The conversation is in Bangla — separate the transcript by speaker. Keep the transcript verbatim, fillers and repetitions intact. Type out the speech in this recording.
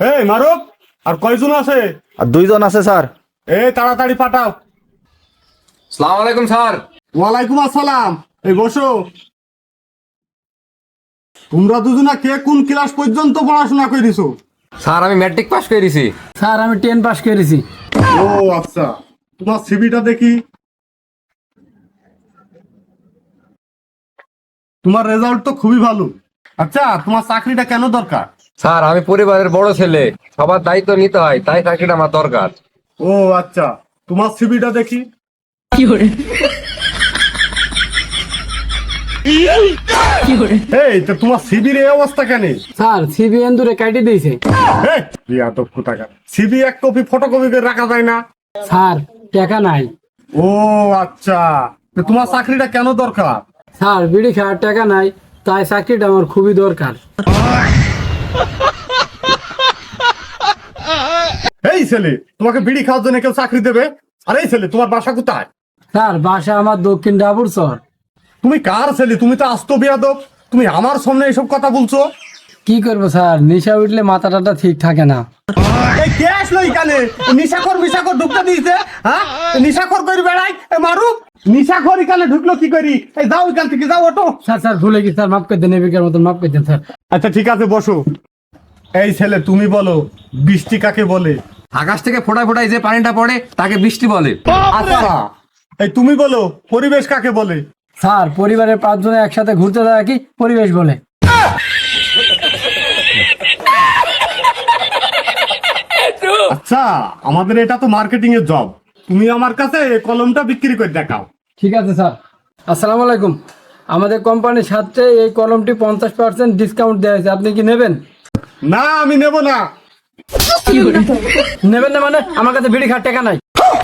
Speaker 1: এই মারুফ, আর কয়জন আছে?
Speaker 2: আর দুইজন আছে স্যার।
Speaker 1: এই তাড়াতাড়ি পাঠাও।
Speaker 3: সালাম আলাইকুম স্যার।
Speaker 1: ওয়ালাইকুম আসসালাম। এই বসো। তোমরা দুজনা কে কোন ক্লাস পর্যন্ত পড়াশোনা করেছো?
Speaker 3: স্যার আমি ম্যাট্রিক পাস করেছি।
Speaker 4: স্যার আমি টেন পাস করেছি।
Speaker 1: ও আচ্ছা, তোমার সিভিটা দেখি। তোমার রেজাল্ট তো খুবই ভালো। আচ্ছা, তোমার চাকরিটা কেন দরকার?
Speaker 3: স্যার আমি পরিবারের বড় ছেলে, সবার দায়িত্ব নিতে হয়, তাই চাকরিটা আমার দরকার।
Speaker 1: ও আচ্ছা, তোমার সিভিটা দেখি। এই তো তোমার সিভির এই অবস্থা কেন?
Speaker 4: স্যার সিবি এন্দুরে কাটি দিয়েছে।
Speaker 1: সিভি এক কপি ফটোকপি করে রাখা যায় না?
Speaker 4: স্যার টাকা নাই।
Speaker 1: ও আচ্ছা, তো তোমার চাকরিটা কেন দরকার?
Speaker 4: স্যার বিড়ি খাওয়ার টাকা নাই, তাই চাকরিটা আমার খুবই দরকার।
Speaker 1: এই ছেলে, তোমাকে বিড়ি খাওয়ার জন্য কেউ চাকরি দেবে? আর এই ছেলে, তোমার বাসা কোথায়?
Speaker 4: স্যার বাসা আমার দক্ষিণ ডাবুর চর।
Speaker 1: তুমি কার ছেলে? তুমি তো আস্ত বিয়াদব। তুমি আমার সামনে এসব কথা বলছো?
Speaker 4: কি করবো স্যার, নেশা উঠলে মাথা টাটা ঠিক থাকে না।
Speaker 1: এই কে আসলো এখানে? নিশাখর মিশাখর ঢুকতে দিয়েছে? হ্যাঁ, নিশাখর করে বেড়াই। মারু, নিশাখর এখানে ঢুকলো কি করি? এই যাও এখান থেকে, যাও ওটো।
Speaker 4: স্যার স্যার ভুলে গেছি স্যার, মাফ করে দেন, এবিকার মতন মাফ করে দেন স্যার।
Speaker 1: আচ্ছা ঠিক আছে, বসো। এই ছেলে, তুমি বলো বৃষ্টি কাকে বলে?
Speaker 3: আকাশ থেকে ফোটায় ফোটায় যে পানিটা পড়ে তাকে বৃষ্টি বলে।
Speaker 1: আচ্ছা, এই তুমি বলো পরিবেশ কাকে বলে?
Speaker 4: স্যার পরিবারের পাঁচজনে একসাথে ঘুরতে যাওয়া কি পরিবেশ বলে?
Speaker 1: আচ্ছা, আমাদের এটা তো মার্কেটিং এর জব। তুমি আমার কাছে এই কলমটা বিক্রি করে দেখাও।
Speaker 4: ঠিক আছে স্যার। আসসালামু আলাইকুম। আমাদের কোম্পানির সাথে এই কলমটি পঞ্চাশ পার্সেন্ট ডিসকাউন্ট দেওয়া হয়েছে, আপনি কি নেবেন?
Speaker 1: না, আমি নেব না।
Speaker 4: নেবেন না মানে? আমার কাছে বিড়ি খাওয়ার টাকা নাই।